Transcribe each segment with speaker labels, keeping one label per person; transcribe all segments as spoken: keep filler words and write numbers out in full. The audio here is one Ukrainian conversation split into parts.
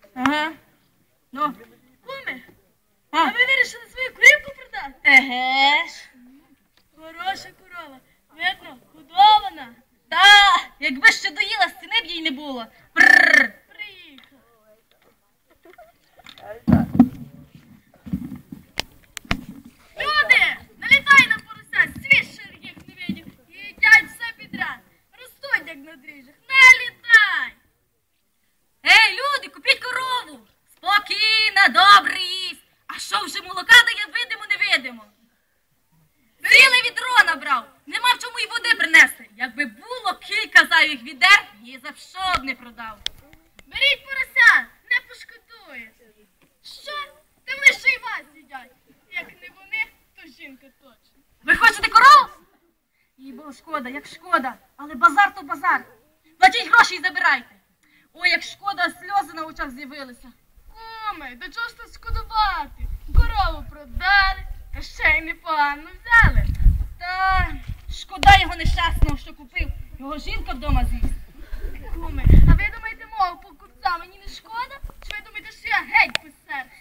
Speaker 1: Ага. Ну?
Speaker 2: Куме,
Speaker 1: А?
Speaker 2: а ви вирішили свою корівку продати?
Speaker 1: Еге ж.
Speaker 2: Хороша корова. Видно, годована.
Speaker 1: Та, якби ще доїла, стіни б їй не було. Прррр.
Speaker 2: Приїхала. Люди, налітай на порося, свіже їх не видів. І їдять все підряд. Ростуть, як на дріжджах. Налітай!
Speaker 1: Ей, люди, купіть корову. Спокійно, добре їсть. А що вже молока дає видимо-невидимо? Ціле відро набрав. Нема в чому й води принести. Якби було кілька зайвих відер, її за що б не продав.
Speaker 2: Беріть порося, не пошкодуєте. Що? Та вони ще й вас їдять. Як не вони, то жінка точно.
Speaker 1: Ви хочете корову? Їй було шкода, як шкода. Але базар то базар. Платіть гроші і забирайте. Ой, як шкода, сльози на очах з'явилися.
Speaker 2: Куме, до чого ж тут шкодувати? Корову продали, та ще й непогано взяли.
Speaker 1: Та шкода його нещасного, що купив. Його жінка вдома з'їсть.
Speaker 2: Куме, а ви думаєте, мого покупця мені не шкода? Чи ви думаєте, що я геть без серця?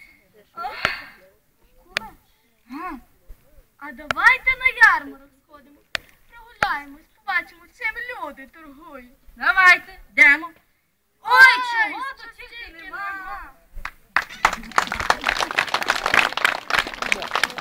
Speaker 2: Куме,
Speaker 1: А,
Speaker 2: а давайте на ярмарок сходимо. Прогуляємось, побачимо, чим люди торгують.
Speaker 1: давайте, йдемо. Ой, чого тут тільки нема.